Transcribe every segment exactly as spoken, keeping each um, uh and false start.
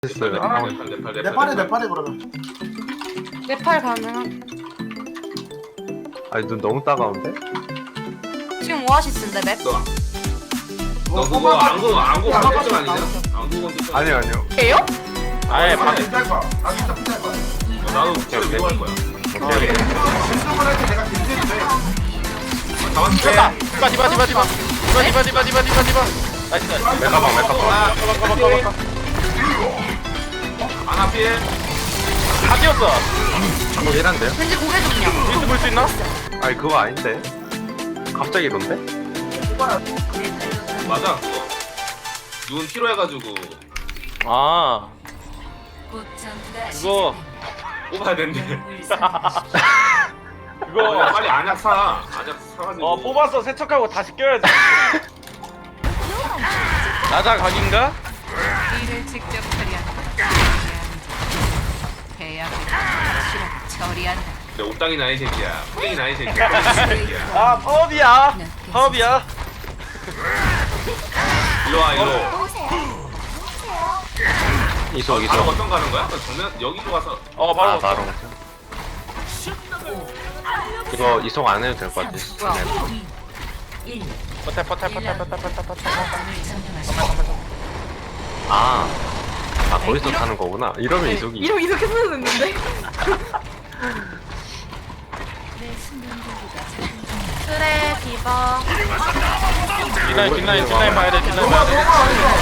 됐어요. 네팔 아, 네팔 네팔 네팔 네팔에 네팔에 그러면 네팔 가능한. 아니 눈 너무 따가운데? 지금 오아시스인데 맵? 너, 너 그거 안구 안구 건들지 아니냐? 안구 건들지 아니요 아니요. 예요? 아예 아 방 진짜일 거야. 아 진짜 피자일 거야. 나도 진짜 오케이. 이거 할 거야. 오케이. 운동을 할 때 내가 김치해도 돼. 가만 쳤다. 디바 디바 디바 디바 디바 디바 디바 디바 디바 디바 나이스 나이스. 메가방 메가방. 아, 가봐 가봐 가봐 가봐. 하나 피해. 다 뛰었어. 뭐 이란데요? 왠지 고개 좀 그냥. 윈스 볼수 있나? 아니 그거 아닌데. 갑자기 이런데? 맞아 그거. 눈 피로해가지고 아 이거 뽑아야 된대. 그거 어, 빨리 안약 사. 안약 사가지고. 어 뽑아서 세척하고 다시 껴야지. 나자 각인가? 일을 직접 처리한다. 계약을 실험 처리한다. 내 옥당이 나이 새끼야. 푸딩이 나이 새끼야. 푸딩이 새끼야. 아 파업이야. 파업이야. 일로 와 일로. 이속 바로 이속. 어떤 가는 거야? 그럼 정면 여기로 가서. 어 바로 아 바로. 이거 이속 안 해도 될 것 같아. 네. 버텨 버텨 버텨 버텨 버텨 버텨. 아. 아 거기서 타는 거구나. 이러면 이속이. 이름 이렇게 써도 됐는데? 그래 디바. 뒷라인 뒷라인 뒷라인 봐야 돼 뒷라인 봐야 돼.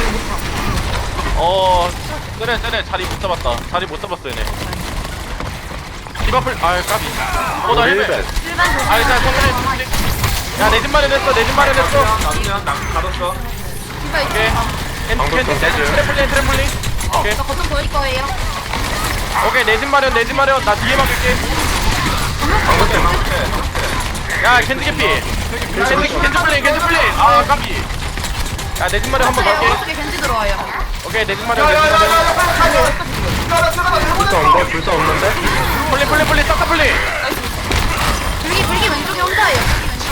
어 그래 그래 자리 못 잡았다. 자리 못 잡았어 얘네. 디바플 아 까비. 어나 헬멧. 일반 조심. 아 일단 성근해. 야내 집 마련했어 내 집 마련했어. 나도 그냥 나 가뒀어. 디바 있어. 오케이. 방금 좀 떼줘요. 트래플링 트래플링. 오케이 저 거점 보일 거예요. 오케이 내 집 마련 내 집 마련 나 뒤에 막을게. 방금 방금. 야 캔디 캐피. 캔디 캔디 플레이 캔디 플레이. 아 까비. 야내 집 마련 한번 네, 갈게. 오른쪽에 겐지 들어와요. 오케이 내 집 마련 내 집 마련. 불사 없는데? 불사 없는데? 플레이 플레이 플레이 싹다 플레이. 불기 불기 왼쪽에 혼자예요.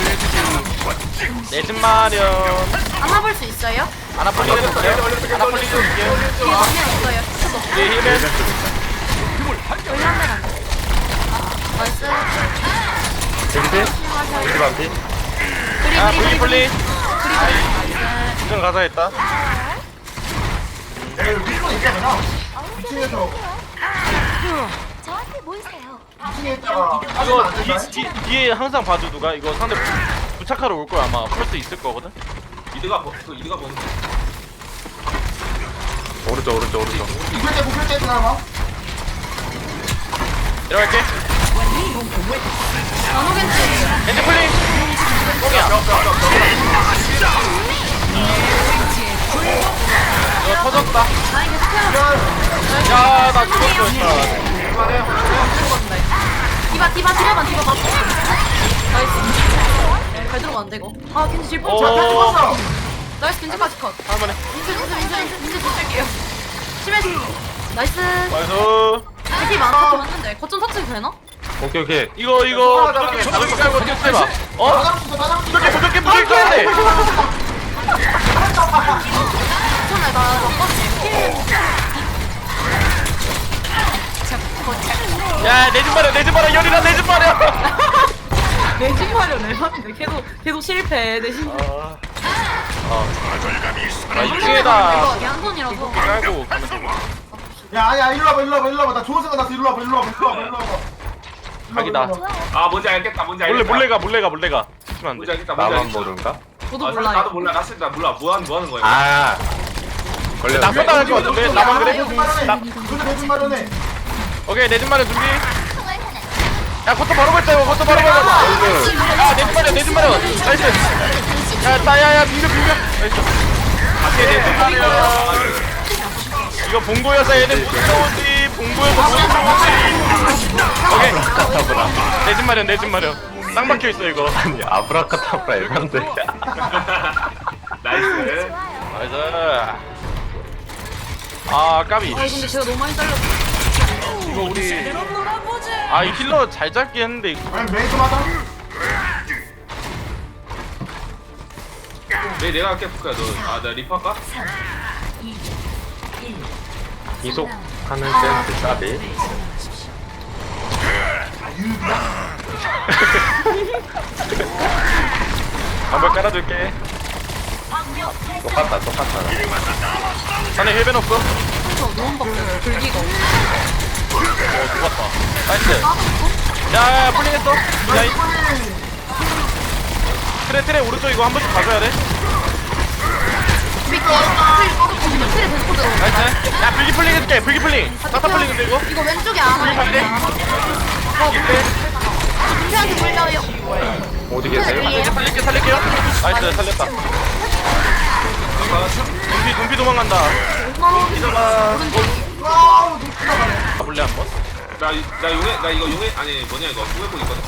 내 집 마련. 안아볼 수 있어요? 아나폴리 해볼게요. 아나폴리 해볼게요. 뒤에 정면 있어요. 예 힐맨. 여기 한 대만. 나이스. 겐지? 겐지 반피? 그리 야 그리 플리 그리 플리. 그리. 지금 가자 했다. 위로 있잖아. 이층에서 저한테 모이세요. 이층에 있다가 이거 안 뒤, 된다. 뒤, 뒤에 항상 봐줘 누가 이거 상대 부- 부착하러 올 거야 아마 풀 수 있을 거거든. 이드가 버- 그 이드가 보는. 오른쪽 오른쪽 오른쪽. 구글 때 구글 때 들어가. 내려갈게. 나노 겐지예요. 엔드 플링. 뽕이야. 이거 터졌다. 아니 계속 태워. 야나 죽었어. 디바 디바 디바만 디바 맞고. 나이스. 잘 들어가는데 이거. 아 겐지 질 뻔. 오. 죽었어. 나이스 겐지까지 컷. 한번에. 민수 민수 민수 민수 민수 줄게요. 심해지. 나이스. 나이스. 겐지 많아 맞는데 거점 터치도 되나? 오케이 오케이. 이거 이거 부족해 부족해 깔고 뛰어 해봐. 다 어? 잡았어 다 잡았어. 부족해 부족해 부족해 깔야 돼. 괜찮아 나 먹거든. 야내 집 마련 내 집 마련 열이라 내 집 마련. 내신 마련을 하는데 계속 계속 실패 내신. 아. 어. 아 이층에다 이게 한 손이라서. 깔고 가면 되고. 야 아니야 일로 와봐 일로 와봐 일로 와봐. 나 좋은 생각 났어. 일로 와봐 일로 와봐 일로 와봐 일로 와봐. 각이다. 아 뭔지 알겠다. 뭔지 몰래 알겠다. 몰래 가 몰래 가 몰래 가. 치면 안 뭔지 돼. 알겠다. 뭔지 나만 알겠다. 모른가? 저도 아, 몰라요. 나도 몰라. 나 진짜 몰라. 뭐 하는 뭐 하는 거야? 아. 걸려. 나 쏜다 할것 같은데 나만 그래? 나 근데 대신 마련해. 오케이 내 집 마련 준비. 야 그것도 바로 걸자 이거 그것도 바로 걸자. 야내 집 마련 내 집 마련. 나이스. 야 따야야 비벼 비벼. 나이스. 오케이 내 집 마련. 이거 봉고여서 얘는 못 들어오지. 봉고여서 못 들어오지. 오케이. 내 집 마련 내 집 마련. 쌍 박혀 있어 이거. 아니 아브라카타브라 이런데. 나이스. 나이스. 아 까비. 아 근데 제가 너무 많이 잘렸어. 이거 우리 아 이 힐러 잘 잡긴 했는데 이거 아니 메이트 맞아. 내 내가 할게 볼까 너. 아나 리퍼 할까? 이속하는 센스 까비. 한번 깔아줄게. 똑같다 똑같다. 자네 힐벤 없어? 어 너무 바뀌어. 불기가 없어. 죽었다. 나이스. 야야야 풀링했어. 야이. 트레 트레 오른쪽 이거 한 번씩 가줘야 돼. 미끼. 트레 꺼졌거든요. 트레 데리고 들어. 나이스. 야 불기 풀링 해줄게. 불기 풀링. 따따 풀링인데 이거? 이거 왼쪽에 안 불기 와요. 살게. 어 그래. 김태한테 물려요. 어디 계세요? 살릴게 살릴게 살릴게요. 나이스 살렸다. 눈피 눈피 도망간다. 이거가 와우 눈 크다. 가볼래 한번? 나, 이- 나 용해 나 이거 용해 아니 뭐냐 이거 용해복 있거든.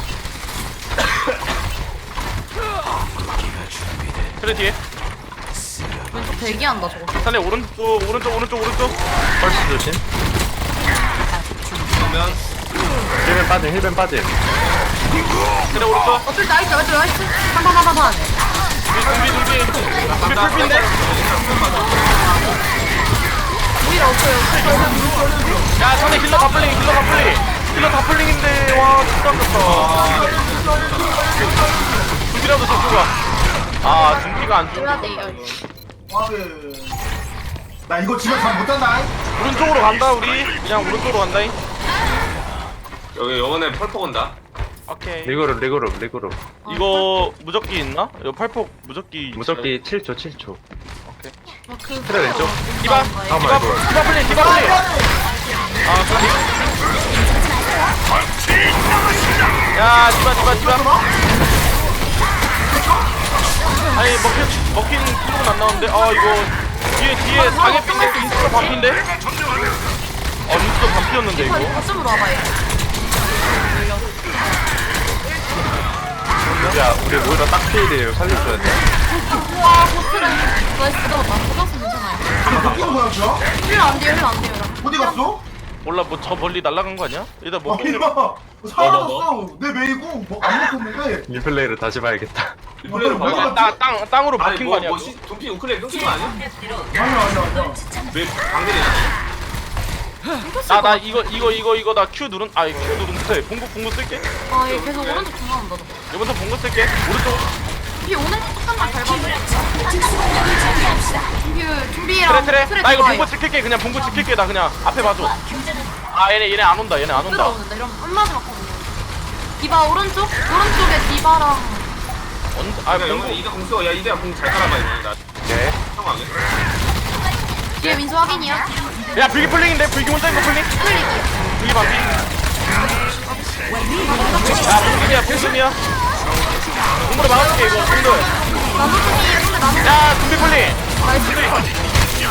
그래 뒤에. 왼쪽 대기한다 저거. 산에 오른쪽 오른쪽 오른쪽 오른쪽. 펄스 조심. 그러면 힐벤 빠짐 힐벤 빠짐. 그래 오른쪽. 어, 줄 나이스, 나이스, 나이스. 한번한번한 눈피 눈피 눈피. 눈피 풀핀데? 오히려 없어요. 야 산에 힐러 다플링 힐러 다플링. 힐러 다플링인데 와 진짜 아깝다. 눈피라도 잡고 가. 아 눈피가 안 죽. 해야 돼요. 와우. 나 이거 집에 잘 못한다. 오른쪽으로 간다 우리. 그냥 오른쪽으로 간다잉. 여기 영원에 펄퍼 온다. 오케이. 리그룹 리그룹 리그룹. 이거 무적기 있나? 이거 팔폭 무적기. 무적기 칠 초 칠 초. 오케이. 그 트레 왼쪽. 디바. 잠깐만, 디바. 이거. 디바 플레이. 디바 플레이. 아 플레이. 야 디바 디바 디바. 아니 먹힌 먹힌 킬로는 안 나오는데. 아 이거 뒤에 뒤에 사계핀데 인스가 반피인데. 아 인스가 반피였는데 이거. 거점으로 와봐요. 야 우리 오히려 딱 필이에요. 살려줘야 돼. 우와, 보트를. 나이스, 잡았다. 잡았으면 괜찮아요. 이거 뭐야 저? 힐 안 돼요, 힐 안 돼요. 어디 갔어? 몰라 뭐 저 멀리 날아간 거 아니야? 일단 아 뭐 이거 사라졌어. 내 메이고 뭐안 먹혔는데. 리플레이를 다시 봐야겠다. 리플레이로 뭐야? 봐야 땅, 땅, 땅으로 아니 박힌 거 뭐, 아니야? 뭐 그거? 시, 돈피 우클레 끊긴 거 아니야? 아니야 아니야 아니야. 왜 방대리나? 나, 나 이거 이거 이거 이거 나 Q 누른 아이 Q 누른데 봉구 봉구 쓸게. 아, 얘 계속 오른쪽 중간한다. 이번부터 봉구 쓸게. 오른쪽. 준비 오늘 잠깐만 잘 봐줘. 준비, 준비랑 트레 트레. 나 이거 좋아요. 봉구 지킬게. 그냥 봉구 지킬게. 나 그냥 앞에 봐줘. 아 얘네 얘네 안 온다. 얘네 안 온다. 들어오는데 이러면 한 마디 맞거든요. 디바 오른쪽? 오른쪽에 디바랑 언제? 아 아 봉구. 영원에 이가 공수 야 이대야 공잘 깔아봐 이거 나 네. 상황에. 뒤에 민수 확인이야. 야 불기 풀링인데 불기 혼자 있는 거 풀링. 클릭이야. 불기 반피. 야 불기야 풀심이야. 공물에 막아줄게 이거 공들. 나도 중이에요. 근데 나도 야 준비 풀링. 나이스.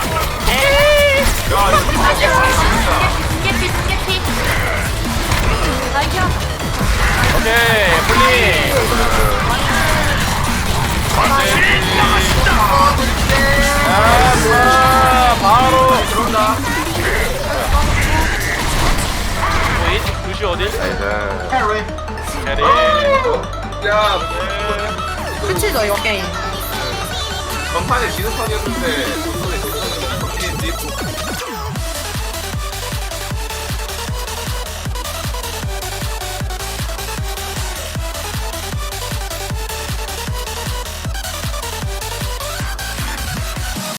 야 이거 중계피 중계피. 나이스. 오케이 풀링. 야 좋아 바로 들어온다. 웨이 두시 어딜? 나이스. 캐리. 캐리. 야 끝이죠 이거 게임. 전판에 지는 턴이었는데